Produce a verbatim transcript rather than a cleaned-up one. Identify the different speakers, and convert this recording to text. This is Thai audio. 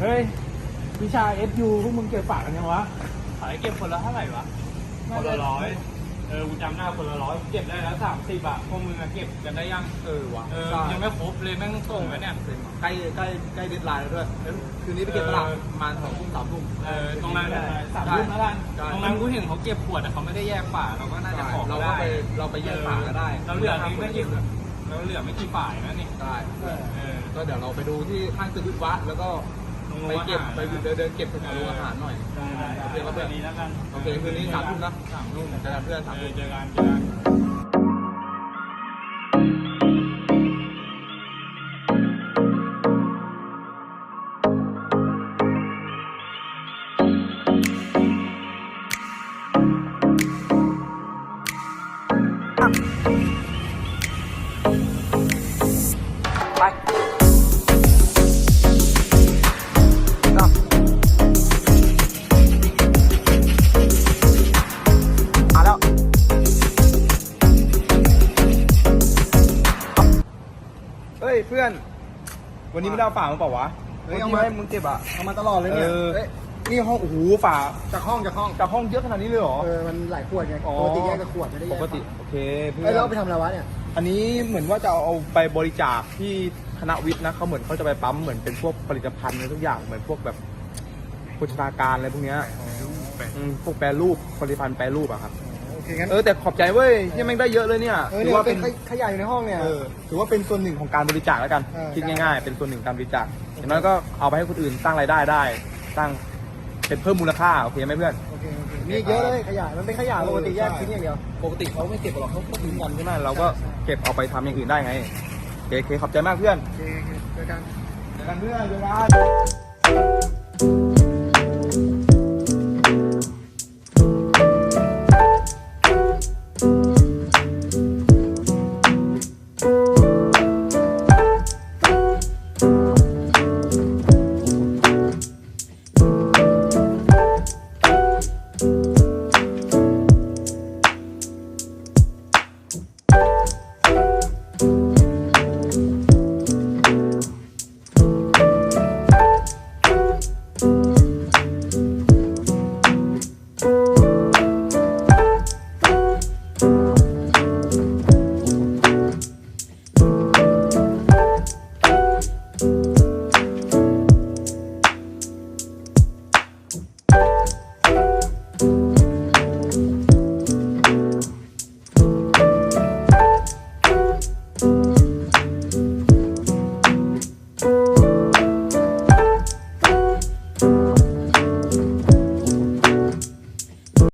Speaker 1: เฮ้ยวิชา เอฟ ยู พวกมึงเก็บฝากกันยังวะ
Speaker 2: ขายเก็บคนละเท่าไหร่วะคนละร้อยเออกูจำได้คนละร้อยเก็บได้แล้วสามสิบอะพวกมึงอะเก็บกันได้ยังเออวะเออยังไม่ครบเลยแม่งส่งไปเนี่ย
Speaker 3: ใกล้ใกล้ใกล้เดดไลน์แล้วด้วยคืนนี้ไปเก็บตลาดประมาณสองทุ่มสามทุ่ม
Speaker 2: เออตรงนั้นสามทุ่มแล้วกันตรงนั้นกูเห็นเขาเก็บขวดอะเขาไม่ได้แยกฝาเราก็น่าจะขอ
Speaker 3: เราก็
Speaker 2: ได้
Speaker 3: ไปเราไปแยกฝาก็ได้
Speaker 2: เราเหลือไม่กี่เราเหลือไม่กี่ฝ่ายนะนี่
Speaker 3: ได้
Speaker 2: เออ
Speaker 3: ก็เดี๋ยวเราไปดูที่ข้างตึกวิศวะแล้วก็ไปเก็บไปเดินเดินเก็บแถวโรงอาหารหน่อย
Speaker 2: ได้ได้เดี๋ยวเราไปนี้แล้วกัน
Speaker 3: โอเคคืนนี้สามทุ่มนะ
Speaker 2: สามทุ่ม
Speaker 3: เจอกันเพื่อนสาม
Speaker 2: เอ
Speaker 3: ทุ่
Speaker 2: อ
Speaker 3: ม
Speaker 2: เจอกันเจอกัน
Speaker 1: ไปมาแล้วเฮ้ยเพื่อน วันนี้ไม่ได้เอาฝามาเปล่าวะ
Speaker 3: เฮ้ย
Speaker 1: เมื่อ
Speaker 3: เอา
Speaker 1: กี้
Speaker 3: มา
Speaker 1: ให้มึงเก็บอ่ะ
Speaker 3: เอามาตลอดเลยเนี่ย
Speaker 1: เออ
Speaker 3: เอ้ย
Speaker 1: นี่ห้องโอ้โหฝา
Speaker 3: จากห้องจากห้อง
Speaker 1: จากห้องเยอะขนาดนี้เลยเหรอ
Speaker 3: เออมันหลายขวดไง
Speaker 1: อ๋อ
Speaker 3: ปกติแยกกับขวดไม่ได้แย
Speaker 1: ป
Speaker 3: ก
Speaker 1: กติโอเคเพื่อ
Speaker 3: เอ้ย
Speaker 1: น
Speaker 3: เราไปทำอะไรวะเนี่ย
Speaker 1: อันนี้เหมือนว่าจะเอาไปบริจาคที่คณะวิทย์นะเขาเหมือนเขาจะไปปั๊มเหมือนเป็นพวกผลิตภัณฑ์อะไรทุกอย่างเหมือนพวกแบบโภชนาการอะไรพวกเนี้ยอืมพวกแปรรูปผลิตภัณฑ์แปรรูปอะครับ
Speaker 3: โอเคงั้น
Speaker 1: เออแต่ขอบใจเว้ยที่แม่งได้เยอะเลยเนี่ย
Speaker 3: เออ
Speaker 1: ถื
Speaker 3: เนี่ย
Speaker 1: ว่า
Speaker 3: เป็
Speaker 1: เป็น น
Speaker 3: ขยะอยู่ในห้องเนี่ย
Speaker 1: เออถือว่าเป็นส่วนหนึ่งของการบริจาคแล้วกัน
Speaker 3: เออ
Speaker 1: คิด
Speaker 3: ได้
Speaker 1: ง่ายๆ เป็นส่วนหนึ่งการบริจาคอย่างน้อยก็เอาไปให้คนอื่นสร้างรายได้ได้สร้างเป็นเพิ่มมูลค่าโอเคไหมเพื่อน
Speaker 3: โอเคโอเคมีอีกเยอะเลยขยะมันเป็นขยะปกติแยกทิ้งอย่างเดียว
Speaker 1: ปกติเขาไม่เก็บหรอกเขาก็ทิ้งกันใช่ไหมเราก็เก็บเอาไปทำอย่างอื่นได้ไงโอเคโอเคขอบใจมากเพื่อน
Speaker 3: โอเคโอเคเจอกัน
Speaker 1: เจอกันเพื่อนเจอกัน